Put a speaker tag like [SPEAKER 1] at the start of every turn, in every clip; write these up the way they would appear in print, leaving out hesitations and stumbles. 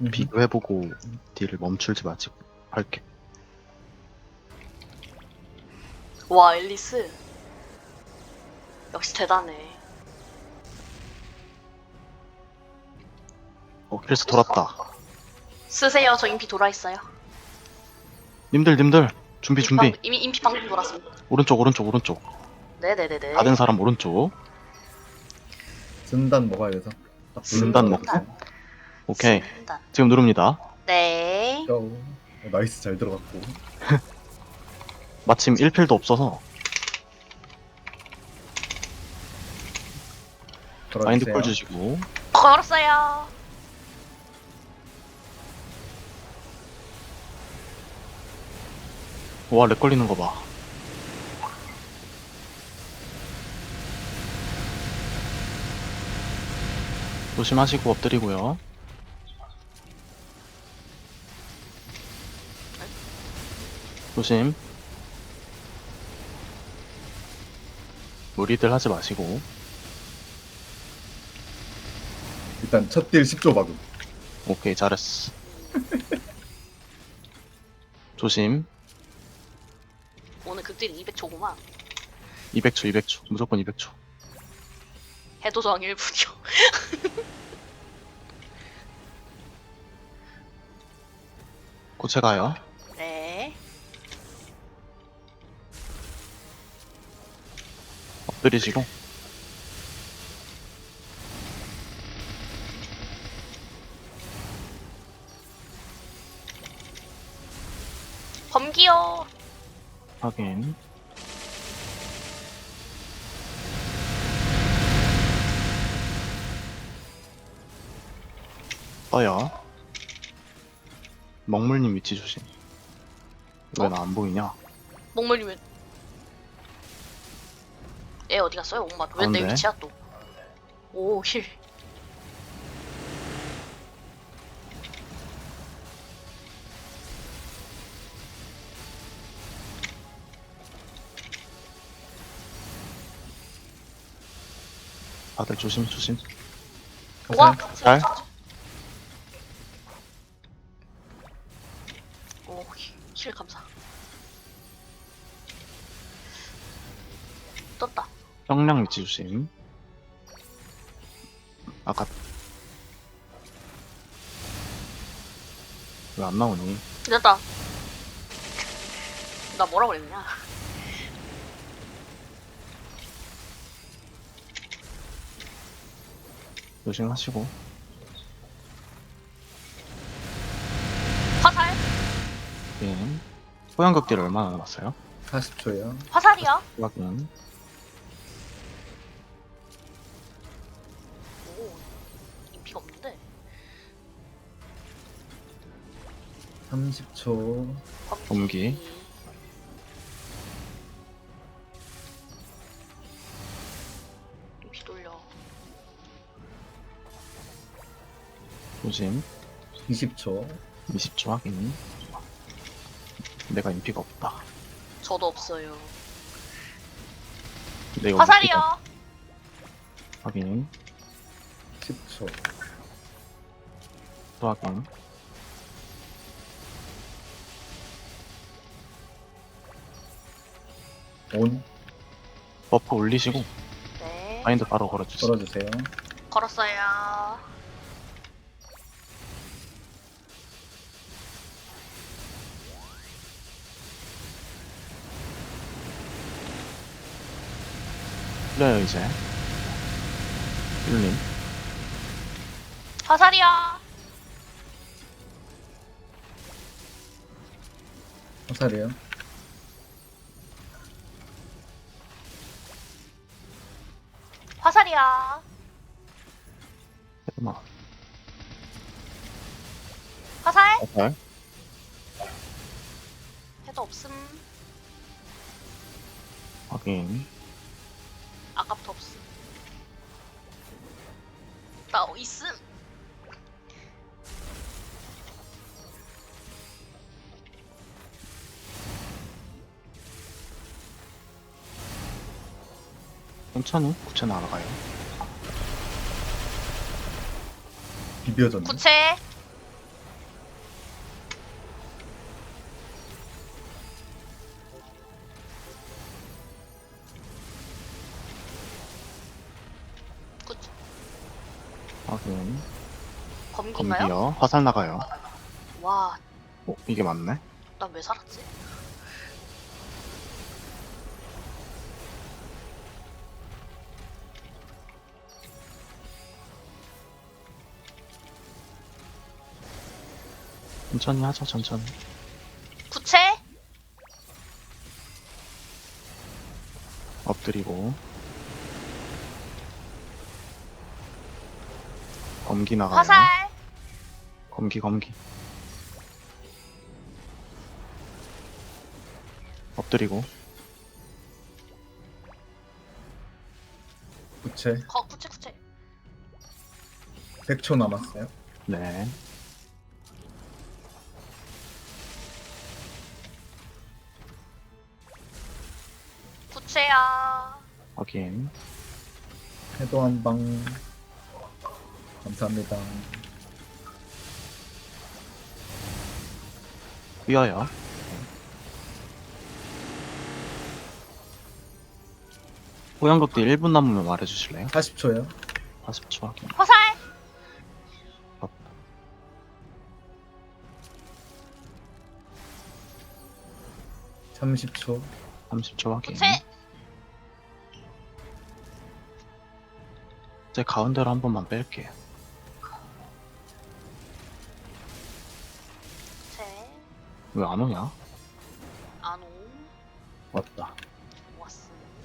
[SPEAKER 1] 비교해보고 딜을 멈출지 마시고 할게.
[SPEAKER 2] 와, 앨리스. 역시 대단해.
[SPEAKER 1] 그래서 돌았다.
[SPEAKER 2] 쓰세요. 저 인피 돌아있어요.
[SPEAKER 1] 님들 준비.
[SPEAKER 2] 이미 인피 방금 돌았습니다.
[SPEAKER 1] 오른쪽.
[SPEAKER 2] 네네네네.
[SPEAKER 1] 다 된 사람 오른쪽.
[SPEAKER 3] 진단 먹어야 돼서. 딱
[SPEAKER 1] 진단
[SPEAKER 3] 부르는 거
[SPEAKER 2] 먹자.
[SPEAKER 1] 오케이.
[SPEAKER 2] 쓴다.
[SPEAKER 1] 지금 누릅니다.
[SPEAKER 2] 네.
[SPEAKER 3] 고. 나이스 잘 들어갔고.
[SPEAKER 1] 마침 1필도 없어서 마인드 콜 주시고.
[SPEAKER 2] 걸었어요.
[SPEAKER 1] 와, 렉 걸리는 거 봐. 조심하시고 엎드리고요. 조심. 무리들 하지 마시고.
[SPEAKER 3] 일단 첫 딜 10조 박음.
[SPEAKER 1] 오케이, 잘했어. 조심.
[SPEAKER 2] 오늘 극딜 200초구만.
[SPEAKER 1] 200초. 무조건 200초.
[SPEAKER 2] 해도저항 1분이요.
[SPEAKER 1] 고체 가요.
[SPEAKER 2] 네.
[SPEAKER 1] 엎드리시고.
[SPEAKER 2] 범기요.
[SPEAKER 1] 확인. 떠요. 먹물님 위치 조심. 왜 나 안 보이냐?
[SPEAKER 2] 목물리면 얘 어디 갔어요? 엄마 왜 내
[SPEAKER 1] 가운데.
[SPEAKER 2] 위치야 또? 오 힐.
[SPEAKER 1] 다들 조심.
[SPEAKER 2] 와.
[SPEAKER 1] 잘.
[SPEAKER 2] 오힐 감사. 떴다.
[SPEAKER 1] 형량 위치 조심. 아까 왜 안 나오니?
[SPEAKER 2] 됐다. 나 뭐라 그랬냐?
[SPEAKER 1] 조심하시고.
[SPEAKER 2] 화살?
[SPEAKER 1] 예. 호양극딜 얼마나 남았어요?
[SPEAKER 3] 40초요.
[SPEAKER 2] 화살이야?
[SPEAKER 1] 확인.
[SPEAKER 2] 오 인피가 없는데.
[SPEAKER 3] 30초.
[SPEAKER 1] 범기.
[SPEAKER 2] 인피 돌려.
[SPEAKER 1] 조심.
[SPEAKER 3] 20초.
[SPEAKER 1] 20초 확인. 내가 인피가 없다.
[SPEAKER 2] 저도 없어요.
[SPEAKER 1] 내가
[SPEAKER 2] 화살이요.
[SPEAKER 1] 확인.
[SPEAKER 3] 10초.
[SPEAKER 1] 또 확인.
[SPEAKER 3] 온.
[SPEAKER 1] 버프 올리시고
[SPEAKER 2] 네.
[SPEAKER 1] 마인드 바로 걸어주세요.
[SPEAKER 3] 걸어주세요.
[SPEAKER 2] 걸었어요.
[SPEAKER 1] 풀려요 이제. 1님.
[SPEAKER 2] 화살이야.
[SPEAKER 3] 화살이요.
[SPEAKER 2] 화살이야.
[SPEAKER 1] 잠깐만.
[SPEAKER 2] 화살?
[SPEAKER 1] 화살.
[SPEAKER 2] 해도 없음.
[SPEAKER 1] 확인.
[SPEAKER 2] 아까부터 없음. 나 있음.
[SPEAKER 1] 천천히 구체 날아가요.
[SPEAKER 3] 비벼졌네.
[SPEAKER 2] 구체. 검기인가요?
[SPEAKER 1] 검기요. 화살 나가요.
[SPEAKER 2] 와,
[SPEAKER 1] 이게 맞네.
[SPEAKER 2] 난 왜 살았지?
[SPEAKER 1] 천천히 하죠, 천천히.
[SPEAKER 2] 구체?
[SPEAKER 1] 엎드리고. 검기 나가요.
[SPEAKER 2] 화살?
[SPEAKER 1] 검기. 엎드리고.
[SPEAKER 3] 부채.
[SPEAKER 2] 구체.
[SPEAKER 3] 100초 남았어요.
[SPEAKER 1] 네.
[SPEAKER 2] 구체야.
[SPEAKER 1] 확인.
[SPEAKER 3] 해도 한 방. 감사합니다.
[SPEAKER 1] 뛰어요. 호양극대 1분 남으면 말해주실래요?
[SPEAKER 3] 40초요.
[SPEAKER 1] 40초 확인.
[SPEAKER 2] 화살?
[SPEAKER 3] 30초.
[SPEAKER 1] 30초 확인.
[SPEAKER 2] 구체?
[SPEAKER 1] 이제 가운데로 한 번만 뺄게요.
[SPEAKER 2] 구체.
[SPEAKER 1] 왜 안 오냐?
[SPEAKER 2] 안 오.
[SPEAKER 1] 왔다.
[SPEAKER 2] 왔어.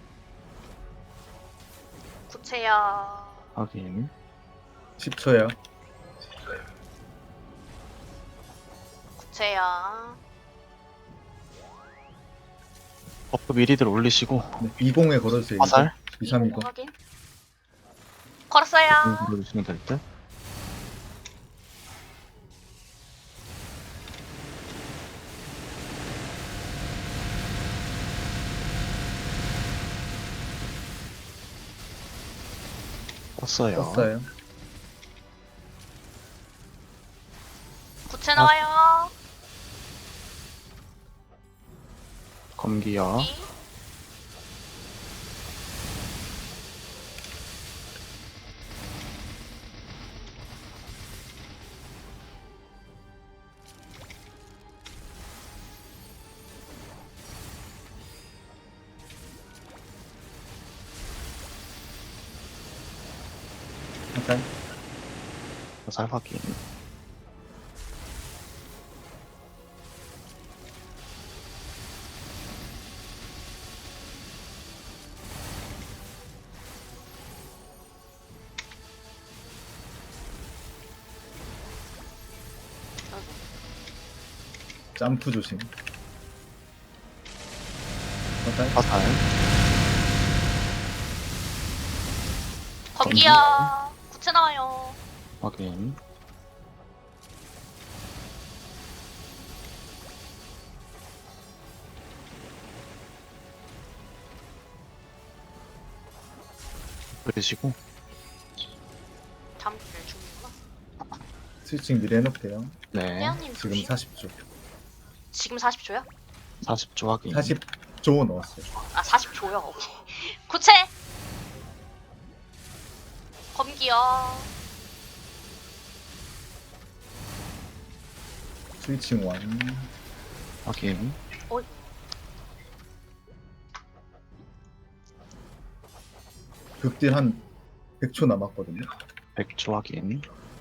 [SPEAKER 2] 구체야.
[SPEAKER 1] 확인.
[SPEAKER 3] 10초요.
[SPEAKER 2] 구체야.
[SPEAKER 1] 버프 미리들 올리시고.
[SPEAKER 3] 네, 20에 걸어주세요.
[SPEAKER 1] 화살?
[SPEAKER 3] 2320.
[SPEAKER 2] 확인. 걸었어요.
[SPEAKER 1] 올려주시면 될 듯. 떴어요.
[SPEAKER 3] 떴어요.
[SPEAKER 2] 구체 나와요.
[SPEAKER 1] 검기요.
[SPEAKER 2] 이.
[SPEAKER 3] 화살.
[SPEAKER 1] 화살 확인.
[SPEAKER 3] 점프 조심. 화살.
[SPEAKER 1] 화살.
[SPEAKER 2] 검기야. 구체 나와요.
[SPEAKER 1] 확인. 그러시고
[SPEAKER 2] 잠들 죽는구나.
[SPEAKER 3] 스위칭 미리 해놓을게요.
[SPEAKER 1] 네.
[SPEAKER 2] 태양님
[SPEAKER 3] 지금
[SPEAKER 2] 조심.
[SPEAKER 3] 40초.
[SPEAKER 2] 지금 40초요?
[SPEAKER 1] 40초 확인.
[SPEAKER 3] 40조 넣었어요.
[SPEAKER 2] 아 40초요. 오케이. 구체. 검기요.
[SPEAKER 3] 스위칭 완.
[SPEAKER 1] 확인.
[SPEAKER 3] 극딜 한 100초 남았거든요.
[SPEAKER 1] 100초 확인.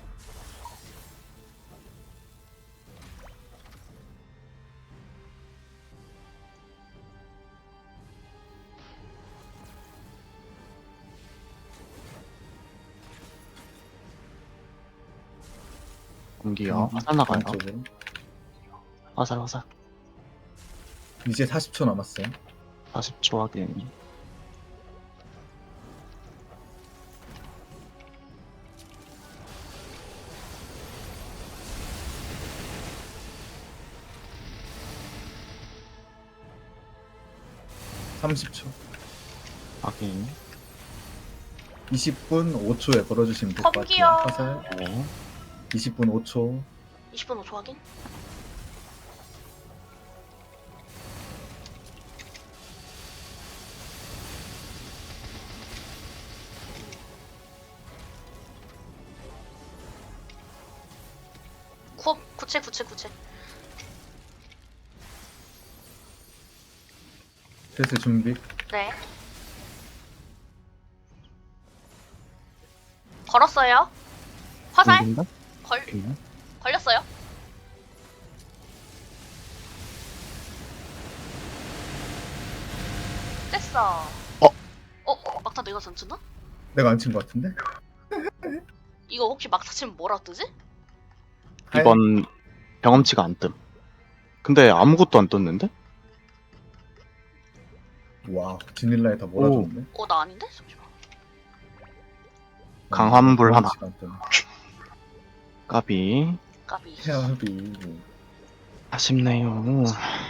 [SPEAKER 1] 공기요. 화살 나가요.
[SPEAKER 3] 안쪽으로.
[SPEAKER 1] 화살.
[SPEAKER 3] 이제 40초 남았어요.
[SPEAKER 1] 40초 확인.
[SPEAKER 3] (30초)
[SPEAKER 1] 확인.
[SPEAKER 3] 20분 5초에 걸어주시면 될 것
[SPEAKER 2] 컴기요.
[SPEAKER 3] 같아요. 화살
[SPEAKER 1] 네.
[SPEAKER 3] 20분 5초.
[SPEAKER 2] 20분 5초 확인. 구체 구체 구체.
[SPEAKER 3] 슬슬 준비.
[SPEAKER 2] 네. 걸었어요. 화살
[SPEAKER 1] 걸린다?
[SPEAKER 2] 걸
[SPEAKER 1] 걸리나?
[SPEAKER 2] 걸렸어요. 됐어. 막타 내가 던졌나?
[SPEAKER 3] 내가 안 친 것 같은데?
[SPEAKER 2] 이거 혹시 막타 치면 뭐라 뜨지?
[SPEAKER 1] 이번 경험치가 안 뜸. 근데 아무것도 안 떴는데?
[SPEAKER 3] 와, 지닐라에 다 몰아줬네.
[SPEAKER 2] 나 아닌데? 잠시만.
[SPEAKER 1] 강환불 하나.
[SPEAKER 3] 경험치가 안 뜨네.
[SPEAKER 1] 까비.
[SPEAKER 2] 까비.
[SPEAKER 3] 헤아비.
[SPEAKER 1] 아쉽네요.